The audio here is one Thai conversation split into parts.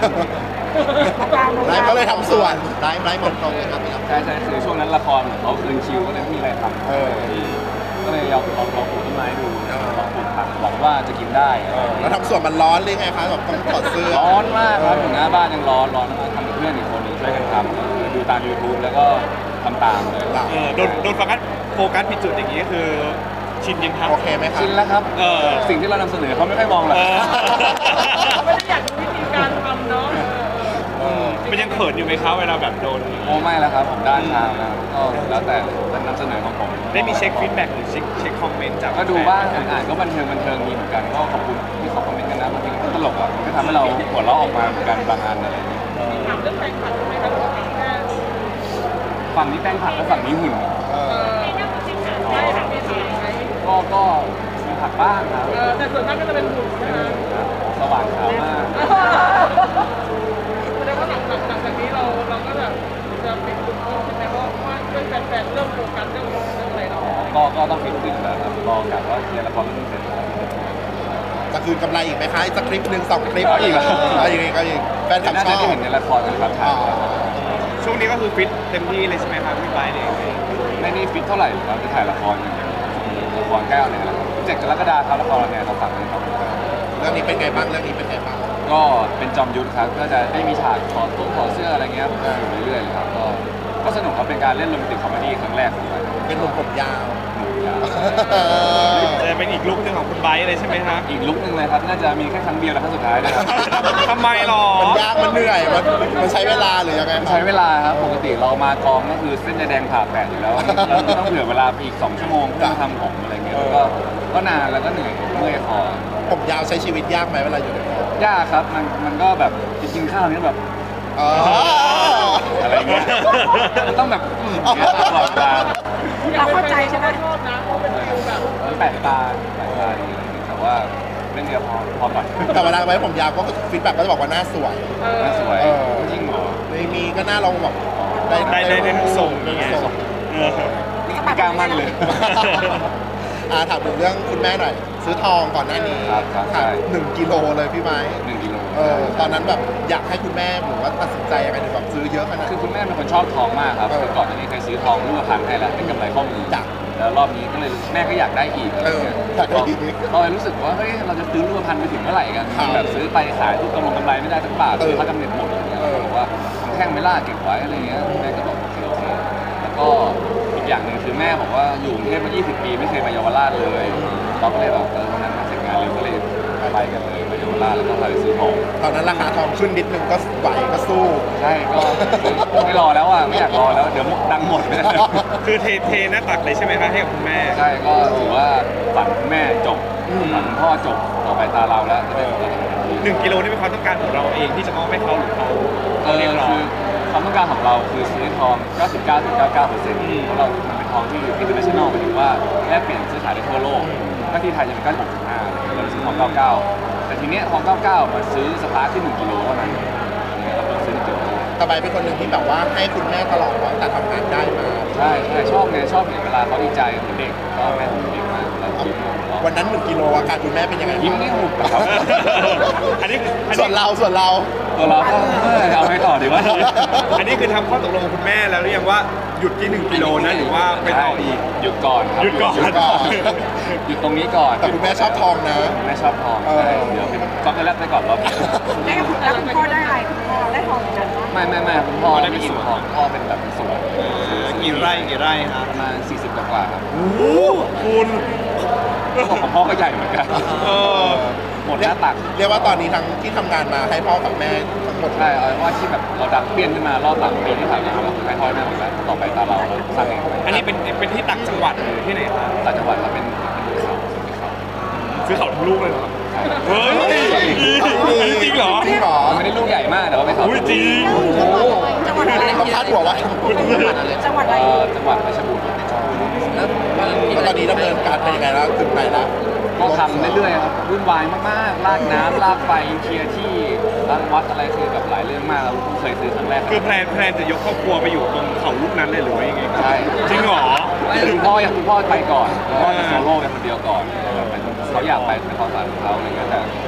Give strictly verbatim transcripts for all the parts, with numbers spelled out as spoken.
ได้ก็เลยทำส่วนได้ได้หมดตรงเลยครับพี่ครับใช่ใช่คือช่วงนั้นละครเขาคืนคิวก็เลยไม่มีอะไรทำเออก็เลยลองลองลองปลูกต้นไม้ดูลองปลูกผักหวังว่าจะกินได้แล้วทำส่วนมันร้อนหรือไงคะแบบต้องถอดเสื้อร้อนมากครับถึงหน้าบ้านยังร้อนร้อนมากทำกับเพื่อนอีกคนหนึงช่วยกันทำก็คือดูตาม YouTube แล้วก็ทำตามเลยเออโดนโดนโฟกัสโฟกัสผิดจุดอย่างนี้ก็คือชินยังครับโอเคไหมครับชินแล้วครับเออสิ่งที่เรานำเสนอเขาไม่ค่อยมองหรอกเออเขาไม่ได้อยากรู้วิธีการทำเนาะมันยังเขินอยู่ไหมครับเวลาแบบโดนโอ้ไม่แล้วครับผมด้านทางนะก็แล้วแต่นำเสนอของผมได้มีเช็คฟีดแบ็กหรือเช็คเช็คคอมเมนต์จากก็ดูบ้างอ่านก็บันเทิงบันเทิงมีเหมือนกันก็ขอบคุณที่เขาคอมเมนต์กันนะบางทีก็ตลกอ่ะมันก็ทำให้เราหัวเราะออกมาเหมือนกันบางอันอะไรอย่างเงี้ยถามเรื่องแฟนคลับใช่ไหมครับว่าถามแค่ฝั่งนี้แป้งผักและฝั่งนี้หุ่นเอเอออใช่ค่ะไม่ถามไหมก็ก็มีผักบ้างครับเออแต่ส่วนมากก็จะเป็นหุ่นใช่ไหมสว่างขาวมากแสดงว่าหลังจากหลังจากนี้เราเราก็แบบจะเป็นกลุ่มเพิ่มใช่ไหมเพราะว่าเพื่อนแฟนๆเริ่มโฟกัสเรื่องเรื่องอะไรเราก็ก็ต้องฟิตขึ้นแล้วครับรอกะว่าเคลียร์ละครเรื่องนี้เสร็จแล้วจะคืนกำไรอีกไหมคะอีกสักคลิปหนึ่งสองคลิปเอาอีกเหรอเอาอีกก็อีกแฟนคลับน่าชจะอบได้เห็นในละครกันครับถ่าอ๋ยอช่วงนี้ก็คือฟิตเต็มที่เลยใช่ไหมครับพี่ไบร์ทเนี่ยไม่ได้ฟิตเท่าไหร่ครับจะถ่ายละครอย่างเดียวละครใกล้ออนแอร์แล้วเจ็ดกรกฎาคมครับละครออนแอร์เราฝากเลยครับเรื่องนี้เป็นไงบ้างเรื่องนี้เป็นไงบ้างก็เป็นจอมยุทธครับก็จะได้มีฉากถอดตุ้งถอดเสื้ออะไรเงี้ยอยู่เรื่อยๆเลยครับก็ก็สนุกครับเป็นการเล่นโรแมนติกคอมเมดี้ครั้งแรกของผมเป็นหนุ่มผมยาวหนุกยาวจะเป็นอีกลุคหนึ่งของคุณไบร์ทเลยใช่ไหมครับอีกลุกหนึ่งเลยครับน่าจะมีแค่ครั้งเดียวและครั้งสุดท้ายเลยครับทำไมหรอมันยากมันเหนื่อยมันมันใช้เวลาหรือยังไงครับใช้เวลาครับปกติเรามากองก็คือเส้นแดงผ่าแปดอยู่แล้วเราต้องเผื่อเวลาไปอีกสองชั่วโมงเพื่อมาทำผมอะไรเงี้ยแล้วก็ก็นานแล้วก็เหนื่อยเมื่อยคอผมยาวใช้ชีวิตยากไหมเวลาอยู่ในกองยากครับมันมันก็แบบจะกินข้าวเนี้ยแบบอ๋ออะไรเงี้ยมันต้องแบบอืมอย่างเงี้ยตลอดเวลาเราเข้าใจใช่ไหมชอบนะเพราะเป็นฟิลแบบมันแปลกตาแปลกตาดีอะไรเงี้ยแต่ว่าเรื่องเดียวพอพอก่อนแต่เวลาไว้ผมยาวก็ฟีดแบ็กก็จะบอกว่าหน้าสวยเออน่าสวยเออจริงเหรอในมีก็หน้าเราแบบได้ได้ได้ทุกทรงได้อย่างเงี้ยทุกทรงเออนี่ไม่กล้ามั่นเลยอ่าถามถึงเรื่องคุณแม่หน่อย ซื้อทองก่อนหน้านี้ครับครับใช่หนึ่งกิโลเลยพี่ไม้หนึ่งกิโลเออตอนนั้นแบบอยากให้คุณแม่หรือว่าตัดสินใจยังไงถึงแบบซื้อเยอะขนาดคือนั้นคุณแม่เป็นคนชอบทองมากครับเออคือก่อนหน้านี้เคยซื้อทองรูปพันให้แล้วเป็นกำไรข้อมือจ้ะแล้วรอบนี้ก็เลยแม่ก็อยากได้อีกอะไรเงี้ยเอออยากได้อีกก็เลยรู้สึกว่าเฮ้ยเราจะซื้อรูปพันไปถึงเมื่อไหร่กันครับแบบซื้อไปขายทุกกำไรกำไรไม่ได้สักบาทเออซื้อเขากำเนิดหมดอย่างเงี้ยเออบอกว่าทำแท่งไม่ล่าเก็บไว้อะไรเงี้ยแม่ก็บอกโอเคโอเคแล้วก็อีกอย่างหนึ่งคือแม่บอกว่าอยู่กรุงเทพมายี่สิบปีไม่เคยมาเยาวราชเลยเราก็เลยแบบเออวันนั้นมาเสร็จงานเร็วก็เลยไปกันเลยมาเยาวราชแล้วก็พาไปซื้อทองตอนนั้นราคาทองขึ้นนิดนึงก็ไหวก็สู้ใช่ก็ไม่รอแล้วอ่ะไม่อยากรอแล้วเดี๋ยวดังหมดคือเทเทหน้าตักเลยใช่ไหมครับให้กับคุณแม่ใช่ก็ถือว่าฝันคุณแม่จบฝันคุณพ่อจบต่อไปตาเราแล้วจะได้ของเราหนึ่งกิโลนี่เป็นความต้องการของเราเองที่จะมอบให้เขาหรือเขาเออเรียกร้องคือความต้องการของเราคือซื้อทอง เก้าสิบเก้าจุดเก้าเก้าเปอร์เซ็นต์ เพราะเรา มันเป็นทองที่ international หมายถึงว่าแลกเปลี่ยนซื้อขายได้ทั่วโลกถ้าที่ไทยจะเป็น เก้าสิบหกจุดห้า เราซื้อทอง เก้าสิบเก้า แต่ทีเนี้ยทอง เก้าสิบเก้า มาซื้อสตาร์ทที่หนึ่งกิโลเท่านั้นเนี่ยเราก็ซื้อหนึ่งกิโลตะไบเป็นคนหนึ่งที่แบบว่าให้คุณแม่ตลอดตั้งแต่ทำงานได้มาใช่ใช่ชอบไงชอบเห็นเวลาเขาดีใจเหมือนเด็กก็แม่ผมเด็กมากเรายิ้มเราวันนั้นหนึ่งกิโลอาการคุณแม่เป็นยังไงยิ้มนี่หุบอะครับอันนี้อันส่วนี้นเราส่วนเราตัวเราก็เอ้ยเอาให้ต่อดีวะอันนี้คือทำข้อตกลงกับคุณแม่แล้วหรือยังว่าหยุดที่หนึ่งกิโลนะหรือว่าไปต่ออีกหยุดก่อนครับหยุดก่อนหยุดก่อนหยุดตรงนี้ก่อนแต่คุณแม่ชอบทองนะแม่ชอบทองเออใช่เดี๋ยวเป็นช็อกโกแลตไปก่อนรอบนี้แล้วคุณแล้วคุณพ่อได้อะไรคุณพ่อได้ทองเหมือนกันปะไม่ไม่ไม่คุณพ่อได้ไม่เป็นกินสวนทองพ่อเป็นแบบเป็นสวนกี่ไร่กี่ไร่ครับประมาณสี่สิบกว่าๆครับโอ้โหคุณของของพ่อก็ใหญ่เหมือนกันเออหมดหน้าตักเรียกว่าตอนนี้ทั้งที่ทำงานมาให้พ่อกับแม่ทั้งหมดใช่เอาเป็นว่าที่แบบเราดังเปี้ยนขึ้นมารอบหลังปีที่ผ่านมาเราคือให้พ่อแม่หมดแล้วต่อไปตาเราเราสร้างเองไปอันนี้เป็นเป็นที่ต่างจังหวัดหรือที่ไหนครับต่างจังหวัดเราเป็นเป็นเขาเป็นเขาซื้อเขาทั้งลูกเลยเหรอใช่เฮ้ยอันนี้จริงเหรอจริงเหรอมันไม่ได้ลูกใหญ่มากแต่ว่าเป็นเขาอุ้ยจริงจังหวัดอะไรต้องคาดหัวไว้จังหวัดอะไรเอ่อจังหวัดเพชรบูรณ์แล้วแล้วตอนนี้ดำเนินการเป็นยังไงแล้วถึงไหนแล้วก็ทำเรื่อยๆครับวุ่นวายมากๆลากน้ำลากไฟเคลียร์ที่รังวัดอะไรคือแบบหลายเรื่องมากเราเพิ่งเคยซื้อครั้งแรกคือแพลนแพลนจะยกครอบครัวไปอยู่ตรงเขาลูกนั้นเลยหรือว่ายังไงครับใช่จริงเหรอคุณพ่ออยากคุณพ่อไปก่อนคุณพ่อจะโซโล่เป็นคนเดียวก่อนเขาอยากไปเป็นความฝันของเขาอะไรเงี้ยแต่ผมก็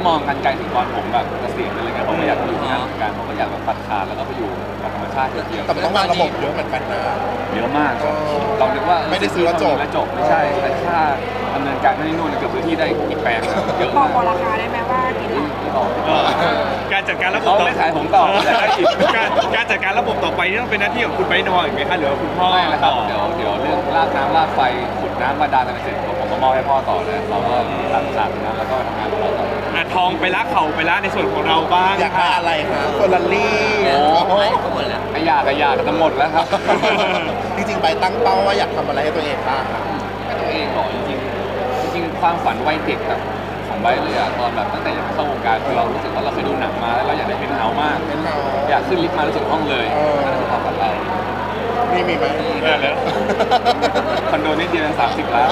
มองกันไกลถึงตอนผมแบบเกษียณอะไรเงี้ยผมก็อยากอยู่ที่นั่นเหมือนกันผมก็อยากแบบตัดขาดแล้วก็ไปอยู่กับธรรมชาติเดียวๆแต่มันต้องวางระบบเยอะเหมือนกันนะเยอะมากครับเออเราคิดว่าไม่ได้ซื้อแล้วจบแล้วจบไม่ใช่แต่ค่าดำเนินการไม่ได้นู่นเกือบพื้นที่ได้อีกแปลงนะเยอะบอมาก กบอกราคาได้ไหมว่ากี่หลักที่บอกเออการจัดการระบบเขาต่อไม่ขายผมต่อแต่ได้อีกการการจัดการระบบต่อไปนี่ต้องเป็นหน้าที่ของคุณไปนออีกไหมคะหรือว่าคุณพ่อไม่ละครับต่อเดี๋ยวเดี๋ยวเรื่องลากน้ำลากไฟขุดน้ำบาดาลอะไรเสร็จผมก็มอบให้พ่อต่อเลยเราก็ตัดขาดนะแล้วก็ทำงานของเราต่ออ่ะทองไปละเข่าไปละในส่วนของเราบ้างอยากได้อะไรคะเฟอร์รารี่โอ้โหไอ้ยากไอ้ยากจะหมดแล้วครับจริงๆไปตั้งเป้าว่าอยากทำอะไรให้ตัวเองบ้างคะให้ตัวเองบอกจริงๆจริงๆความฝันวัยเด็กแบบของไบร์ทเลยอะตอนแบบตั้งแต่ยังไม่เข้าวงการคือเรารู้สึกว่าเราเคยดูหนังมาแล้วเราอยากได้เป็นเฮาส์มากเป็นเราอยากขึ้นลิฟต์มารู้สึกห้องเลยเออนั่นคือความฝันเรานี่มีไหมได้แล้วคอนโดนิดเดียวสามสิบล้าน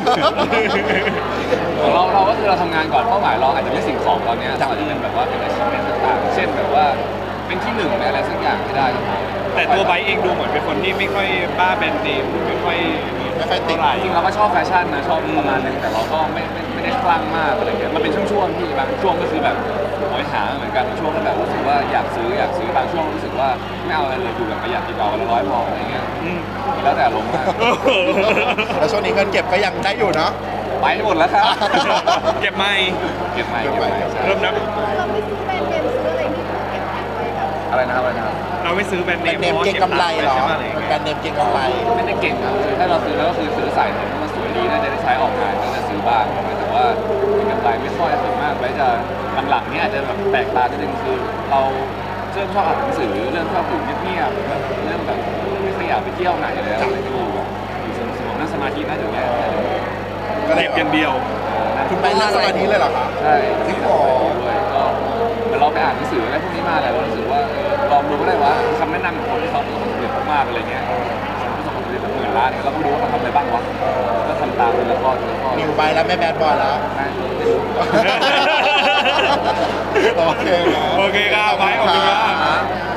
ของเราเราก็คือเราทำงานก่อนเป้าหมายเราอาจจะไม่สิ่งของตอนเนี้ยเราอาจจะเป็นแบบว่าเป็นอาชีพต่างๆเช่นแบบว่าเป็นที่หนึ่งในอะไรสักอย่างที่ได้ก็พอแต่ตัวไบร์ทเองดูเหมือนเป็นคนที่ไม่ค่อยบ้าแบรนด์เนมไม่ค่อยไม่ค่อยติดเท่าไหร่จริงๆเราก็ชอบแฟชั่นนะชอบประมาณนึงแต่เราก็ไม่ไม่ไม่ได้คลั่งมากอะไรเงี้ยมันเป็นช่วงๆที่บางช่วงก็คือแบบโหยหาเหมือนกันบางช่วงก็แบบรู้สึกว่าอยากซื้ออยากซื้อบางช่วงรู้สึกว่าไม่เอาอะไรเลยอยู่แบบประหยัดดีกว่าวันละร้อยพออะไรเงี้ยอืมแล้วแต่ลงมากแล้วช่วงนี้เงินเก็บก็ยังได้อยู่เนาะไปหมดแล้วครับเก็บไม่เก็บใหม่เก็บใหม่ใช่เริ่มนับเราไม่ซื้อแบรนด์เนมซื้ออะไรที่เก็บไว้แบบอะไรนะครับอะไรนะครับเราไม่ซื้อแบรนด์เนแบรนมด์เนมพาะว่าเก่งกำไรเหรอใช่ไหมอะไรอย่างแบรเงี้ยนด์เนมเก่งกำไรไม่ได้เก่งครับคือถ้าเราซื้อแล้วก็คือซื้อใส่เห็นว่ามันสวยดีน่าจะได้ใช้ออกงานก็จะซื้อบ้างแต่ว่าเป็นกำไรไม่ค่อยส่วนมากไว้จะหลังๆนี่อาจจะแบบแปลกตานิดนึงคือเราเริ่มชอบอ่านหนังสือเริ่มชอบอยู่เงียบๆแบบเริ่มแบบไม่ค่อยอยากไปเที่ยวไหนเลยอะไรก็อยู่แบบอยู่สงบๆนั่งสมาธิน่าจะแย่ก็เลเก็ยบอย่างเดียวคุณไปนั่งสมาธิเลยเหรอคะใช่ที่สมาธิด้วยก็แต่เราไปอ่านหนังสืออะไรพวกนี้มาแล้วเรารู้สึกว่าเออลองดูก็ได้ว่าคำแนะนำของคนที่เขาประสบความสำเร็จมากๆอะไรเงี้ยประสบความสำเร็จแบบหมื่นล้านเนี่ยเราก็ไม่รู้ว่าเขาทำอะไรบ้างวะก็ทำตามเป็นละครเป็นละครนิวไปแล้วไม่แบดบอยแล้วไม่ไม่รู้โอเคโอเคครับไบร์ทขอบคุณมากครับ